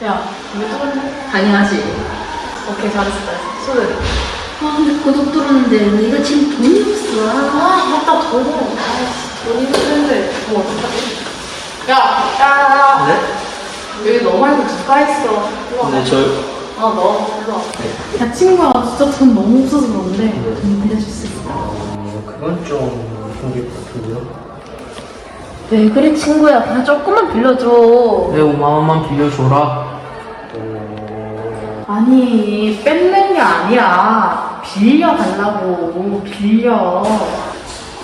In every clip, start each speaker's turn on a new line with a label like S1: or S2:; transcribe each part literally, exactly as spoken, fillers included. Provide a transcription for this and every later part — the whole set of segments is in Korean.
S1: 야, 이거 뚫었네?
S2: 당연하지.
S1: 오케이, 잘했어, 잘했어. 손을.
S2: 아, 근데 고독 들었는데 내가 지금 돈이 없어.
S1: 아, 맞다, 돈. 아이씨, 돈이 없는데. 뭐 어떡하지? 야, 야, 야.
S3: 네?
S1: 여기 너 말고 누가 있어? 일로 와.
S3: 네, 저
S1: 어, 너, 일로 와.
S2: 야, 친구야, 진짜 돈 너무 없어서 그런데 돈 빌려줄 수 있어?
S3: 어, 그건 좀 힘들 것 같은데요.
S2: 왜 그래, 친구야? 그냥 조금만 빌려줘.
S3: 내 오만 원만 빌려줘라. 어...
S2: 아니, 뺏는 게 아니라 빌려달라고. 빌려.
S3: 어,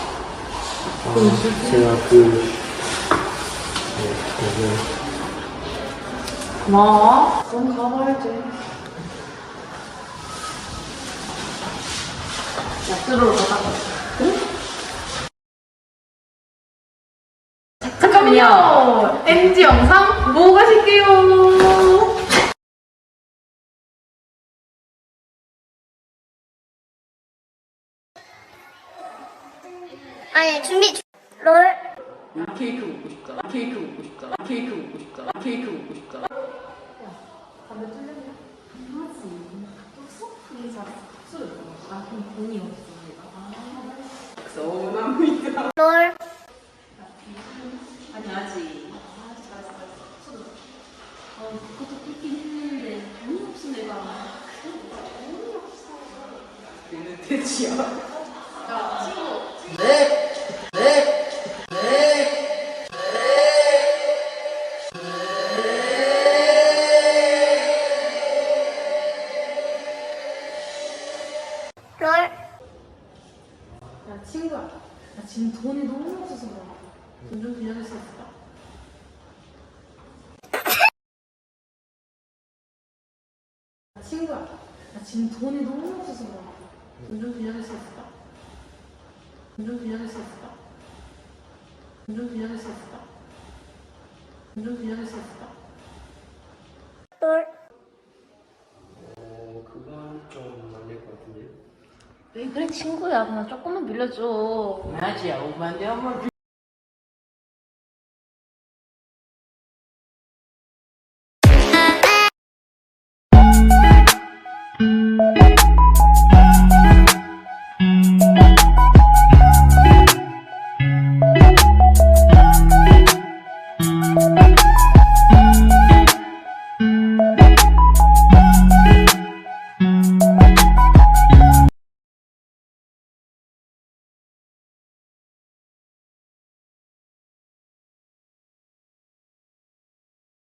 S3: 제가 그... 네, 그...
S1: 고마워. 그럼 가봐야지. 약주로로 가자. 응? 잠깐만요. 엠지 영상 보고 가실게요.
S4: 아니 준비 롤
S1: 케이크 먹고 싶다. 케이크 먹고 싶다. 케이크 먹고 싶다. 케이크 먹고 싶다. 담배 뚫렸냐? 하지. 뚫었어? 그게 잘했어. 술. 아, 그럼 돈이 없어. 내가. 서운합니다.
S4: 롤
S2: 아니, 아직. 아, 잘했어, 잘했어. 술. 어, 그것도 뚫긴 했는데 돈이 없어, 내가. 돈이 없어.
S1: 얘는 돼지야. 야, 친구.
S3: 네! 네! 네!
S4: 롤
S2: 야, 친구야. 나 지금 돈이 너무 없어서 그래. 돈 좀 빌려줄 수 있을까? 야, 친구야. 나 지금 돈이 너무 없어서 그래. 돈 좀 빌려줄 수 있을까? 돈 좀 빌려줄 수 있을까? 돈 좀 빌려줄 수 있을까? 돈 좀 빌려줄 수 있을까?
S4: 롤
S3: 어, 그건 좀 안 될 것 같은데요.
S2: 왜 그래, 친구야. 그냥 조금만 빌려줘.
S3: 맞아, 오만 원 한번